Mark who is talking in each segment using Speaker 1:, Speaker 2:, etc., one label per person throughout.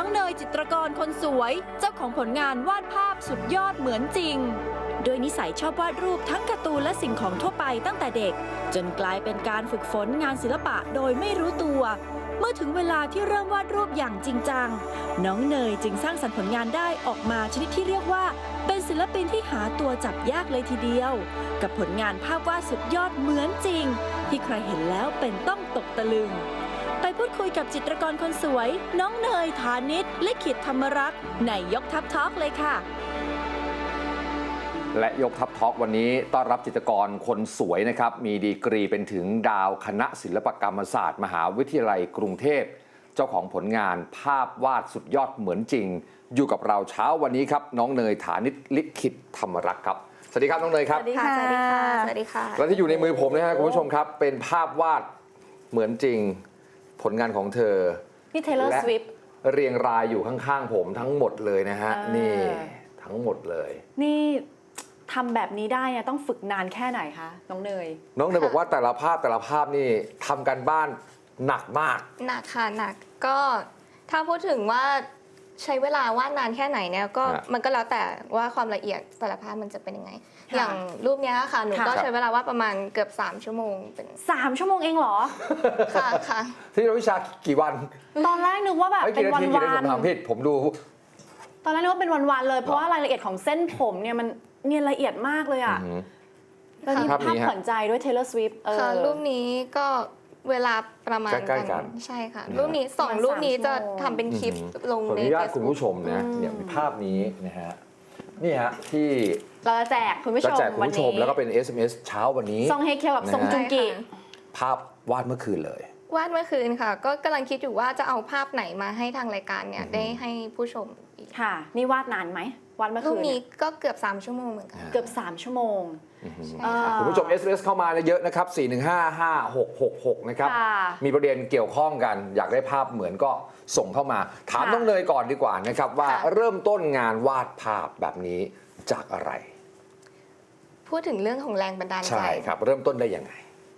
Speaker 1: น้องเนยจิตรกรคนสวยเจ้าของผลงานวาดภาพสุดยอดเหมือนจริงโดยนิสัยชอบวาดรูปทั้งการ์ตูนและสิ่งของทั่วไปตั้งแต่เด็กจนกลายเป็นการฝึกฝนงานศิลปะโดยไม่รู้ตัวเมื่อถึงเวลาที่เริ่มวาดรูปอย่างจริงจังน้องเนยจึงสร้างสรรค์ผลงานได้ออกมาชนิดที่เรียกว่าเป็นศิลปินที่หาตัวจับยากเลยทีเดียวกับผลงานภาพวาดสุดยอดเหมือนจริงที่ใครเห็นแล้วเป็นต้องตกตะลึงไปพูดคุยกับจิตรกรคนสวยน้องเนยฐานิชลิขิตธรรมรักษ์ในยกทัพทอล์กเลยค่ะ
Speaker 2: และยกทัพทอล์กวันนี้ต้อนรับจิตรกรคนสวยนะครับมีดีกรีเป็นถึงดาวคณะศิลปกรรมศาสตร์มหาวิทยาลัยกรุงเทพเจ้าของผลงานภาพวาดสุดยอดเหมือนจริงอยู่กับเราเช้าวันนี้ครับน้องเนยฐานิชลิขิตธรรมรักษ์ครับสวัสดีครับน้องเนยครับ
Speaker 3: สวัสดีค่ะสวัสดีค่ะสวัสดีค่ะ
Speaker 2: และที่อยู่ในมือผมนะฮะคุณผู้ชมครับเป็นภาพวาดเหมือนจริงผลงานของเธอ
Speaker 3: นี่ Taylor Swift
Speaker 2: เรียงรายอยู่ข้างๆผมทั้งหมดเลยนะฮะนี่ทั้งหมดเลย
Speaker 3: นี่ทำแบบนี้ได้เนี่ยต้องฝึกนานแค่ไหนคะน้องเนย
Speaker 2: บอกว่าแต่ละภาพนี่ทำกันบ้านหนักมาก
Speaker 4: หนักค่ะหนักก็ถ้าพูดถึงว่าใช้เวลาวาดนานแค่ไหนเนี่ยก็มันก็แล้วแต่ว่าความละเอียดแต่ละภาพมันจะเป็นยังไงอย่างรูปนี้ค่ะหนูก็ใช้เวลาวาดประมาณเกือบ3 ชั่วโมงเป็น
Speaker 3: 3 ชั่วโมงเองเหรอ
Speaker 4: ค่ะ
Speaker 2: ที่เราวิชากี่วัน
Speaker 3: ตอนแรกนึกว่าแบบเป็นวัน
Speaker 2: ผมถามผิดผมดู
Speaker 3: ตอนแรกนึกว่าเป็นวันๆเลยเพราะว่ารายละเอียดของเส้นผมเนี่ยมันเนี่ยละเอียดมากเลยอ่ะแล้วนี่ภาพขวัญใจด้วย Taylor Swift
Speaker 4: ค่ะรูปนี้ก็เวลาประมาณกันใช่ค่ะรูปนี้2 รูปนี้จะทำเป็นคลิปลงใน
Speaker 2: Facebook คุณผู้ชมนะเนี่ยมีภาพนี้นะฮะนี่ฮะที่
Speaker 3: เราจะแจกคุณผู้ชม
Speaker 2: วันนี้แล้วก็เป็น SMS เช้าวันนี้
Speaker 3: ซองเฮเคียวกับซงจุงกิ
Speaker 2: ภาพวาดเมื่อคืนเลยว
Speaker 4: าดเมื่อคืนค่ะก็กำลังคิดอยู่ว่าจะเอาภาพไหนมาให้ทางรายการเนี่ยได้ให้ผู้ชมอีก
Speaker 3: ค่ะนี่วาดนานไหมวาดเมื่อคืน
Speaker 4: รูปนี้ก็เกือบ3 ชั่วโมงเหมือนกัน
Speaker 3: เกือบ3 ชั่วโมง
Speaker 2: คุณผู้ชม SMS เข้ามาเยอะนะครับ4155666นะครับมีประเด็นเกี่ยวข้องกันอยากได้ภาพเหมือนก็ส่งเข้ามาถามน้องเนยก่อนดีกว่านะครับว่าเริ่มต้นงานวาดภาพแบบนี้จากอะไร
Speaker 4: พูดถึงเรื่องของแรงบันดาลใจ
Speaker 2: ใช่ครับเริ่มต้นได้ยังไง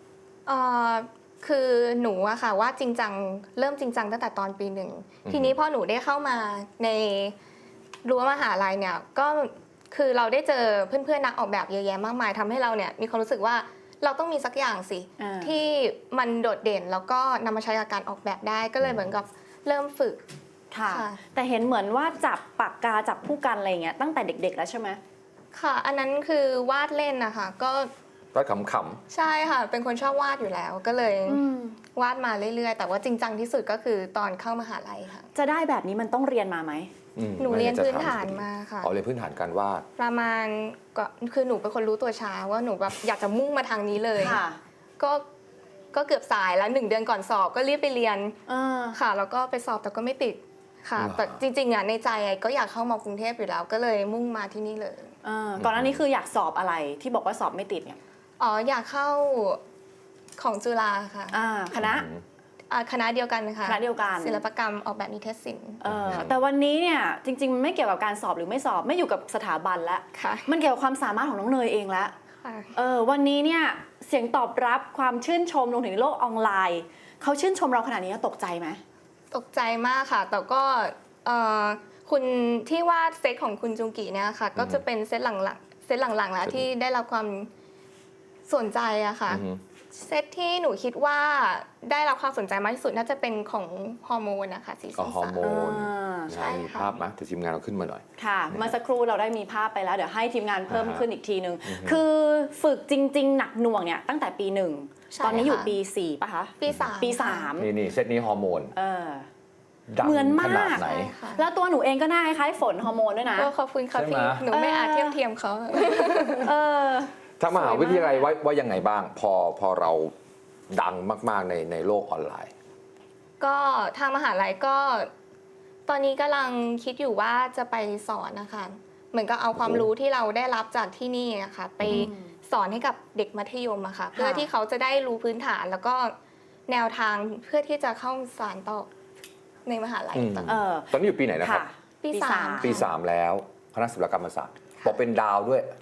Speaker 4: คือหนูอะค่ะว่าจริงจังเริ่มจริงจังตั้งแต่ตอนปี 1ทีนี้พอหนูได้เข้ามาในรั้วมหาลัยเนี่ยก็คือเราได้เจอเพื่อนๆนักออกแบบเยอะแยะมากมายทำให้เราเนี่ยมีความรู้สึกว่าเราต้องมีสักอย่างสิที่มันโดดเด่นแล้วก็นำมาใช้กับการออกแบบได้ก็เลยเหมือนกับเริ่มฝึก
Speaker 3: ค่ะแต่เห็นเหมือนว่าจับปากกาจับผู้กันอะไรเงี้ยตั้งแต่เด็กๆแล้วใช่ไหม
Speaker 4: ค่ะอันนั้นคือวาดเล่นนะคะก็
Speaker 2: วาดขำ
Speaker 4: ๆใช่ค่ะเป็นคนชอบวาดอยู่แล้วก็เลยวาดมาเรื่อยๆแต่ว่าจริงจังที่สุดก็คือตอนเข้ามหาลัยค่ะ
Speaker 3: จะได้แบบนี้มันต้องเรียนมาไหม
Speaker 4: หนูเรียนพื้นฐานมาค่ะ
Speaker 2: เรียนพื้นฐานการวาด
Speaker 4: ประมาณก็คือหนูเป็นคนรู้ตัวช้าว่าหนูแบบอยากจะมุ่งมาทางนี้เลยก็เกือบสายแล้ว1 เดือนก่อนสอบก็รีบไปเรียนค่ะแล้วก็ไปสอบแต่ก็ไม่ติดค่ะแต่จริงๆอ่ะในใจก็อยากเข้ามากรุงเทพอยู่แล้วก็เลยมุ่งมาที่นี่เลย
Speaker 3: ก่อนหน้านี้คืออยากสอบอะไรที่บอกว่าสอบไม่ติดเนี่ย
Speaker 4: อยากเข้าของจุฬาค่ะคณะเดียวกันค่ะ
Speaker 3: คณะเดียวกัน
Speaker 4: ศิลปกรรมออกแบบนิเทศศิลป์
Speaker 3: แต่วันนี้เนี่ยจริงๆมันไม่เกี่ยวกับการสอบหรือไม่สอบไม่อยู่กับสถาบันแล้วมันเกี่ยวกับความสามารถของน้องเนยเองแล้ววันนี้เนี่ยเสียงตอบรับความชื่นชมลงถึงในโลกออนไลน์เขาชื่นชมเราขนาดนี้ตกใจไหม
Speaker 4: ตกใจมากค่ะแต่ก็คุณที่วาดเซตของคุณจุงกิเนี่ยค่ะก็จะเป็นเซตหลังๆแล้วที่ได้รับความสนใจอะค่ะเซตที่หนูคิดว่าได้รับความสนใจมากที่สุดน่าจะเป็นของฮอร์โมนนะคะสีสัน
Speaker 2: ฮอร์โมนมีภาพไหมแต่ทีมงานเราขึ้นมาหน่อย
Speaker 3: ค่ะเมื่อสักครู่เราได้มีภาพไปแล้วเดี๋ยวให้ทีมงานเพิ่มขึ้นอีกทีนึงคือฝึกจริงๆหนักหน่วงเนี่ยตั้งแต่ปี 1ตอนนี้อยู่ปี 4ป่ะคะปี 3
Speaker 2: นี่เซตนี้ฮอร์โมน
Speaker 3: เหมือนมากแล้วตัวหนูเองก็น่าคล้ายฝนฮอร์โมนด้วยนะ
Speaker 4: ขอบคุณค่ะพี่หนูไม่อาจเทียมเขา
Speaker 2: ถ้ามหาวิทยาลัยว่ายังไงบ้างพอเราดังมากๆในโลกออนไลน์
Speaker 4: ก็ทางมหาลัยก็ตอนนี้กำลังคิดอยู่ว่าจะไปสอนนะคะเหมือนกับเอาความรู้ที่เราได้รับจากที่นี่นะคะไปสอนให้กับเด็กมัธยมอะค่ะเพื่อที่เขาจะได้รู้พื้นฐานแล้วก็แนวทางเพื่อที่จะเข้าสานต่อในมหาลัย
Speaker 2: ตอนนี้อยู่ปีไหนนะครับ
Speaker 4: ปี 3
Speaker 2: แล้วคณะศิลปกรรมศาสตร์บอกเป็นดาวด้วย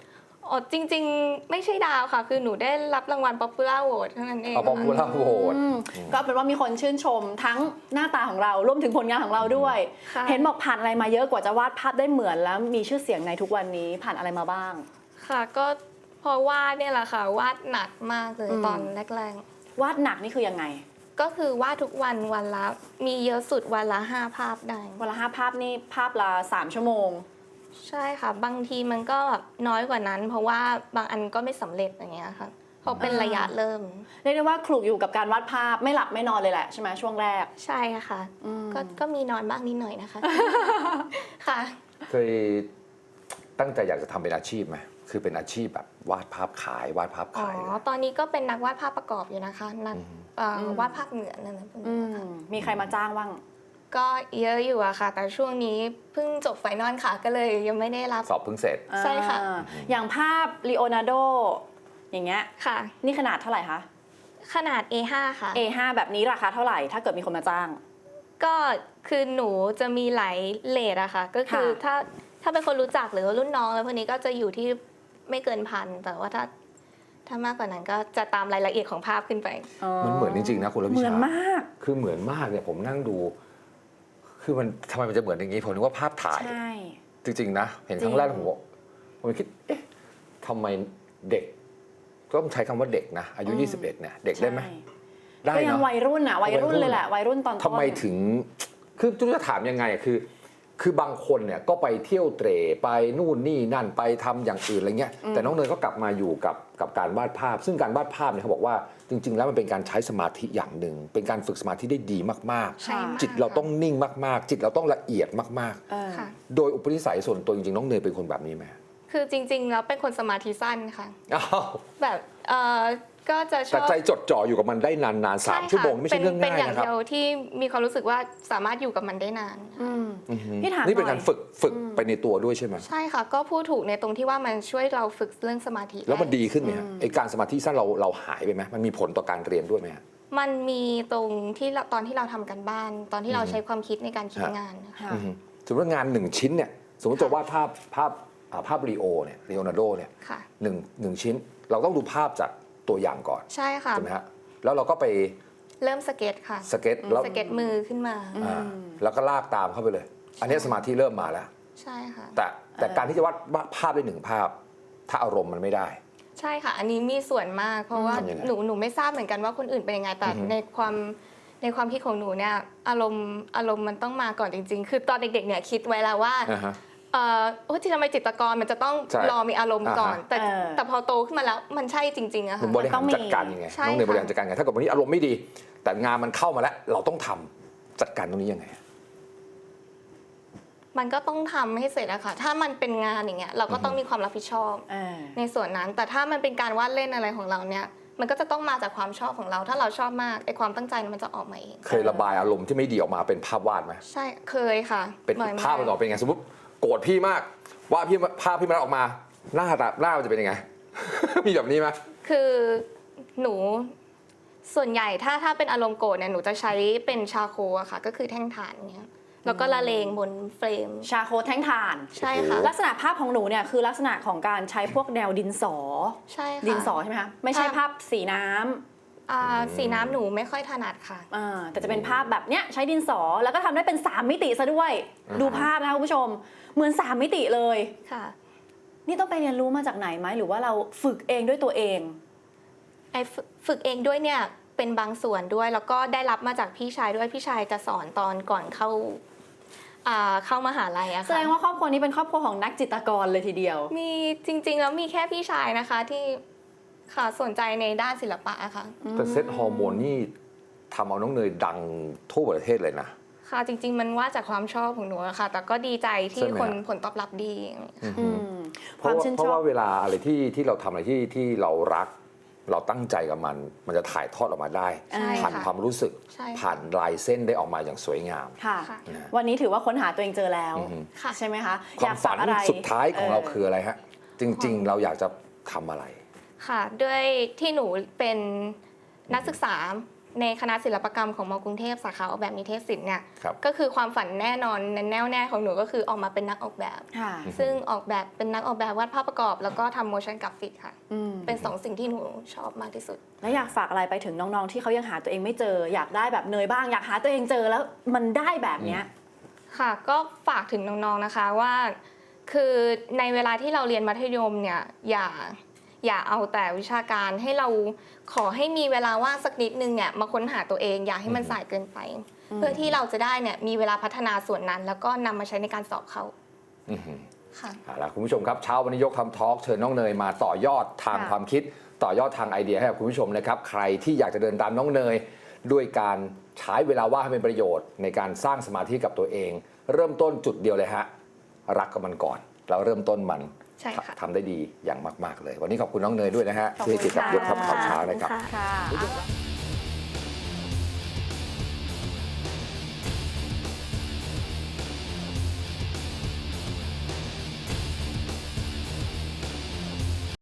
Speaker 4: อ๋อจริงๆไม่ใช่ดาวค่ะ คือหนูได้รับรางวัล Popular Vote เท่านั้นเอง
Speaker 2: เอาบอกว่าโหวต
Speaker 3: ก็เป็นว่ามีคนชื่นชมทั้งหน้าตาของเรารวมถึงผลงานของเราด้วย
Speaker 4: ค่ะ
Speaker 3: เห็นบอกผ่านอะไรมาเยอะกว่าจะวาดภาพได้เหมือนแล้วมีชื่อเสียงในทุกวันนี้ผ่านอะไรมาบ้าง
Speaker 4: ค่ะก็พอวาดเนี่ยแหละค่ะวาดหนักมากเลยตอนแรก
Speaker 3: วาดหนักนี่คือยังไง
Speaker 4: ๆก็คือวาดทุกวันวันละมีเยอะสุดวันละ5 ภาพได้
Speaker 3: วันละ5 ภาพนี่ภาพละ3 ชั่วโมง
Speaker 4: ใช่ค่ะ บางทีมันก็แบบน้อยกว่านั้น เพราะว่าบางอันก็ไม่สำเร็จอย่างเงี้ยค่ะเพราะเป็นระยะเริ่ม
Speaker 3: เรียกได้ว่าคลุกอยู่กับการวาดภาพไม่หลับไม่นอนเลยแหละใช่ไหมช่วงแรก
Speaker 4: ใช่ค่ะก็มีนอนบ้างนิดหน่อยนะคะ ค่ะ
Speaker 2: เคยตั้งใจอยากจะทำเป็นอาชีพไหมคือเป็นอาชีพแบบวาดภาพขายวาดภาพ
Speaker 4: อ๋อ
Speaker 2: ขายเลย
Speaker 4: ตอนนี้ก็เป็นนักวาดภาพประกอบอยู่นะคะนักวาดภาพเหมือนนั่นนะพวกนี้ค่ะ
Speaker 3: มีใครมาจ้างบ้าง
Speaker 4: ก็เยอะอยู่อะค่ะ แต่ช่วงนี้เพิ่งจบไฟนอลค่ะ ก็เลยยังไม่ได้รับ
Speaker 2: สอบเพิ่งเสร็จ
Speaker 4: ใช่ค่ะ
Speaker 3: อย่างภาพลีโอนาร์โดอย่างเงี้ย
Speaker 4: ค่ะ
Speaker 3: นี่ขนาดเท่าไหร่คะ
Speaker 4: ขนาด A5 ค่ะ
Speaker 3: A5 แบบนี้ราคาเท่าไหร่ถ้าเกิดมีคนมาจ้าง
Speaker 4: ก็คือหนูจะมีหลายเลทอะค่ะ ก็คือ
Speaker 3: ค่ะ
Speaker 4: ถ้าเป็นคนรู้จักหรือว่ารุ่นน้องแล้วพวกนี้ก็จะอยู่ที่ไม่เกิน1,000 แต่ว่าถ้ามากกว่านั้นก็จะตามรายละเอียดของภาพขึ้นไป
Speaker 2: มันเหมือนจริงๆนะคุณระวิชา
Speaker 3: เหมือนมาก
Speaker 2: คือเหมือนมากเนี่ยผมนั่งดู คือมันทำไมมันจะเหมือนอย่างนี้ผมนึกว่าภาพถ่าย
Speaker 3: ใช่
Speaker 2: จริงๆนะเห็นครั้งแรกผมคิดเอ๊ะทำไมเด็กก็ต้องใช้คำว่าเด็กนะอายุ 21เนี่ยเด็กได้ไหม
Speaker 3: ใช่
Speaker 2: ได้
Speaker 3: ก็ยัง
Speaker 2: เนาะ
Speaker 3: วัยรุ่นอะวัยรุ่นเลยแหละวัยรุ่นตอนต้น
Speaker 2: ทำไมถึงคือจะถามยังไงอะคือบางคนเนี่ยก็ไปเที่ยวเตร่ไปนู่นนี่นั่นไปทำอย่างอื่นอะไรเงี้ยแต่น้องเนยก็กลับมาอยู่กับการวาดภาพ ซึ่งการวาดภาพเนี่ยเขาบอกว่าจริง ๆ แล้วมันเป็นการใช้สมาธิอย่างหนึ่งเป็นการฝึกสมาธิได้ดีมาก
Speaker 4: ใช่มาก
Speaker 2: ๆ จิตเราต้องนิ่งมากๆ จิตเราต้องละเอียดมาก
Speaker 3: เออ
Speaker 4: ค่ะ
Speaker 2: ๆ โดยอุปนิสัยส่วนตัวจริงๆน้องเนยเป็นคนแบบนี้ไหม
Speaker 4: คือจริงๆแล้วเป็นคนสมาธิสั้นค่ะ
Speaker 2: อ้าว
Speaker 4: แบบก็จะช
Speaker 2: แต่
Speaker 4: อบ
Speaker 2: ใจจดจ่ออยู่กับมันได้นานๆ3 ชั่วโมงไม่ใช่เรื่อง
Speaker 4: เป็น
Speaker 2: ง่าย
Speaker 4: อย่าง
Speaker 2: นะครับ
Speaker 4: เดียวที่มีความรู้สึกว่าสามารถอยู่กับมันได้นาน
Speaker 3: พี่ถาม
Speaker 2: นี่เป็น
Speaker 3: ห
Speaker 2: การฝึกไปในตัวด้วยใช่ไหม
Speaker 4: ใช่ค่ะ ก็พูดถูกในตรงที่ว่ามันช่วยเราฝึกเรื่องสมาธิ
Speaker 2: แล้วมัน
Speaker 4: ไ
Speaker 2: ดีขึ้นไหมฮะไอการสมาธิสั้นเราหายไปไหมมันมีผลต่อการเรียนด้วยไหมฮะ
Speaker 4: มันมีตรงที่ตอนที่เราทำกันบ้าน ตอนที่เราใช้ความคิดในการคิดงานนะคะ
Speaker 3: ค่ะ
Speaker 2: สมมติว่างาน1 ชิ้นเนี่ยสมมติจะวาดภาพลีโอเนี่ยลีโอนาร์โดเนี่ย
Speaker 4: ค่ะ
Speaker 2: หนึ่งชิ้น เราต้องดูภาพจากตัวอย่างก่อน
Speaker 4: ใช่ค่ะ
Speaker 2: ใช่ไหมฮะแล้วเราก็ไป
Speaker 4: เริ่มสเก็ตค่ะ
Speaker 2: สเก็ตแล้ว
Speaker 4: สเก็ตมือขึ้นมา
Speaker 2: แล้วก็ลากตามเข้าไปเลย อันนี้สมาธิเริ่มมาแล้ว
Speaker 4: ใช่ค่ะ
Speaker 2: แต่การที่จะวาดภาพได้1 ภาพ ถ้าอารมณ์มันไม่ได้
Speaker 4: ใช่ค่ะ อันนี้มีส่วนมาก เพราะว่า
Speaker 2: ทำยังไง
Speaker 4: หนูไม่ทราบเหมือนกันว่าคนอื่นเป็นยังไง แต่ในความคิดของหนูเนี่ยอารมณ์มันต้องมาก่อนจริง ๆ คือตอนเด็กๆเนี่ยคิดไว้แล้วว่า
Speaker 2: อ่าฮะ
Speaker 4: ที่ทำไมจิตรกรมันจะต้อง
Speaker 2: ใช่
Speaker 4: รอมีอารมณ์ก่อน
Speaker 2: อ่าฮะ
Speaker 4: แต่พอโตขึ้นมาแล้วมันใช่จริงๆอะ
Speaker 2: คุ
Speaker 4: ค่ะ
Speaker 2: ณบริ
Speaker 3: ต้
Speaker 2: หา
Speaker 3: อ
Speaker 2: รง
Speaker 3: มี
Speaker 2: จัดการยังไง
Speaker 4: ใช่
Speaker 2: น้องเนย
Speaker 4: ค่ะ
Speaker 2: บริหารจัดการยังไงถ้าเกิดวันนี้อารมณ์ไม่ดี แต่งานมันเข้ามาแล้ว เราต้องทำจัดการตรงนี้ยังไง
Speaker 4: มันก็ต้องทำให้เสร็จอะค่ะ ถ้ามันเป็นงานอย่างเงี้ยเราก็ต้องมีความรับผิดชอบ
Speaker 3: เออ
Speaker 4: ในส่วนนั้น แต่ถ้ามันเป็นการวาดเล่นอะไรของเราเนี่ย มันก็จะต้องมาจากความชอบของเรา ถ้าเราชอบมากไอความตั้งใจมันจะออกมาเอง
Speaker 2: เคยระบายอารมณ์ที่ไม่ดีออกมาเป็นภาพวาดไหม
Speaker 4: ใช่เคยค่ะ
Speaker 2: เป็น
Speaker 4: บ่อยมก
Speaker 2: ภาพมันออกเป็นไงสมมติโกรธพี่มากว่าดภาพพี่มันออกมาหน้ามันจะเป็นยังไง มีแบบนี้ไหม
Speaker 4: คือหนูส่วนใหญ่ถ้าเป็นอารมณ์โกรธเนี่ยหนูจะใช้เป็นชาโคอะค่ะ ก็คือแท่งถ่านเงี้ยแล้วก็ละเลงบนเฟรม
Speaker 3: ชาโคแท่งถ่าน
Speaker 4: ใช่ค่ะ
Speaker 3: ลักษณะภาพของหนูเนี่ยคือลักษณะของการใช้พวกแนวดินสอ
Speaker 4: ใช่ค่ะ
Speaker 3: ดินสอใช่ไหมคะไม่ใช่ภาพสีน้ำ
Speaker 4: สีน้ำหนูไม่ค่อยถนัดค่ะ
Speaker 3: แต่จะเป็นภาพแบบเนี้ยใช้ดินสอแล้วก็ทำได้เป็น3 มิติซะด้วย ดูภาพนะคะคุณผู้ชมเหมือน3 มิติเลย
Speaker 4: ค่ะ
Speaker 3: นี่ต้องไปเรียนรู้มาจากไหนไหมหรือว่าเราฝึกเองด้วยตัวเอง
Speaker 4: ไอ้ฝึกเองด้วยเนี่ยเป็นบางส่วนด้วยแล้วก็ได้รับมาจากพี่ชายด้วยพี่ชายจะสอนตอนก่อนเข้ามหาลัยอะ
Speaker 3: แส
Speaker 4: ค่ะ
Speaker 3: ดงว่าครอบครัวนี้เป็นครอบครัวของนักจิตรกรเลยทีเดียว
Speaker 4: มีจริงๆแล้วมีแค่พี่ชายนะคะที่ค่ะสนใจในด้านศิลปะอะค่ะ
Speaker 2: แต่เซตฮอร์โมนนี่ทำเอาน้องเนยดังทั่วประเทศเลยนะ
Speaker 4: ค่ะจริง ๆ มันว่าจากความชอบของหนูอะค่ะ แต่ก็ดีใจที่
Speaker 2: ใช่ไหม
Speaker 4: คน
Speaker 2: ฮะ
Speaker 4: ผลตอบรับดี
Speaker 3: ความชื่น
Speaker 2: เพ
Speaker 3: ช
Speaker 2: ราะ
Speaker 3: อบ
Speaker 2: ว่าเวลาอะไรที่เราทำอะไรที่เรารัก เราตั้งใจกับมัน มันจะถ่ายทอดออกมาได้
Speaker 4: ใช่
Speaker 2: ผ่าน
Speaker 4: ค่ะ
Speaker 2: ความรู้สึก
Speaker 4: ใช่ค่ะ
Speaker 2: ผ่านลายเส้นได้ออกมาอย่างสวยงาม
Speaker 3: ค่ะ
Speaker 4: ค่ะ
Speaker 3: วันนี้ถือว่าค้นหาตัวเองเจอแล้ว
Speaker 4: ค่ะ
Speaker 3: ใช่ไหมคะ
Speaker 2: ความฝัน
Speaker 3: อยกฝกอะไร
Speaker 2: สุดท้ายของเราคืออะไรฮะ จริง ๆ เราอยากจะทำอะไร
Speaker 4: ค่ะด้วยที่หนูเป็นนักศึกษาในคณะศิลปกรรมของมกรุงเทพสาขาออกแบบนิเทศศิลป์เนี่ย
Speaker 2: ครับ
Speaker 4: ก็คือความฝันแน่นอนแน่วแน่ของหนูก็คือออกมาเป็นนักออกแบบ
Speaker 3: ค่ะ
Speaker 4: ซึ่งออกแบบเป็นนักออกแบบวาดภาพประกอบ แล้วก็ทำ motion graphic ค่ะ เป็นสองสิ่งที่หนูชอบมากที่สุด
Speaker 3: แล้วอยากฝากอะไรไปถึงน้องๆที่เขายังหาตัวเองไม่เจอ อยากได้แบบเนยบ้างอยากหาตัวเองเจอแล้วมันได้แบบเนี้ย
Speaker 4: ค่ะก็ฝากถึงน้องๆนะคะว่าคือในเวลาที่เราเรียนมัธยมเนี่ยอย่าเอาแต่วิชาการให้เราขอให้มีเวลาว่างสักนิดนึงเนี่ยมาค้นหาตัวเองอย่าให้มันสายเกินไป เพื่อที่เราจะได้เนี่ยมีเวลาพัฒนาส่วนนั้น แล้วก็นำมาใช้ในการสอบเข้า
Speaker 2: อื้อหือ
Speaker 4: ค่ะ
Speaker 2: เอาล่ะคุณผู้ชมครับเช้าวันนี้ยกคำทอล์กเชิญน้องเนยมาต่อยอดทาง
Speaker 3: ค่ะ
Speaker 2: ความคิด ต่อยอดทางไอเดียให้กับคุณผู้ชมนะครับใครที่อยากจะเดินตามน้องเนย ด้วยการใช้เวลาว่างให้เป็นประโยชน์ในการสร้างสมาธิกับตัวเอง เริ่มต้นจุดเดียวเลยฮะรักกับมันก่อนแล้วเริ่มต้นมัน
Speaker 4: ใช่ค่ะ
Speaker 2: ทำได้ดีอย่างมากๆเลย วันนี้ขอบคุณน้องเนยด้วยนะฮะ
Speaker 3: ขอบคุณ
Speaker 2: ที่ให้ติดกับ
Speaker 3: ค่ะ
Speaker 2: ยกคำข่าวเช้านะครับ
Speaker 3: ค่ะ